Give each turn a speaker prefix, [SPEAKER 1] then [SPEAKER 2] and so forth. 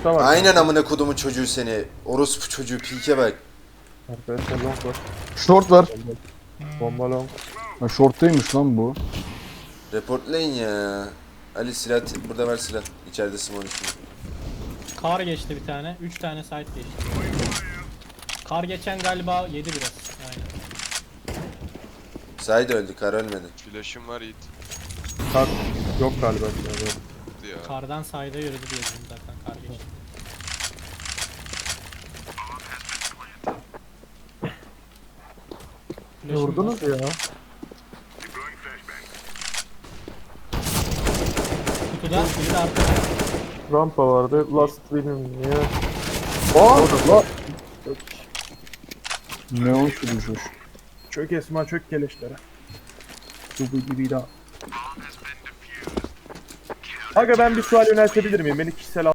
[SPEAKER 1] Short'ta var.
[SPEAKER 2] Aynen amına kodumun çocuğu seni. Orospu çocuğu pike bak.
[SPEAKER 1] Arkadaşlar long var.
[SPEAKER 3] Short var.
[SPEAKER 1] Bomba long.
[SPEAKER 3] Ha, short'taymış lan bu.
[SPEAKER 2] Reportlayın ya. Ali silah burada ver silah. İçeride Simon üstünde.
[SPEAKER 4] Kar geçti bir tane. 3 tane site geçti. Kar geçen galiba yedi biraz. Aynen.
[SPEAKER 2] Sahi de öldü, kar ölmedi.
[SPEAKER 5] Flash'ım var Yiğit.
[SPEAKER 1] Kar yok galiba. Yani.
[SPEAKER 5] Ya.
[SPEAKER 4] Kardan sayda yürüdü diye dedim zaten kar geçti.
[SPEAKER 1] Ne vurdunuz ya?
[SPEAKER 4] Kutuda biri de arkada.
[SPEAKER 1] Rampa vardı. Last benim ya.
[SPEAKER 3] Aa! La!
[SPEAKER 1] Çök.
[SPEAKER 3] Neon sürücü.
[SPEAKER 1] Çök Esma çök keleşlere. Bu gibi daha. Aga ben bir sual yöneltebilir miyim? Beni kişisel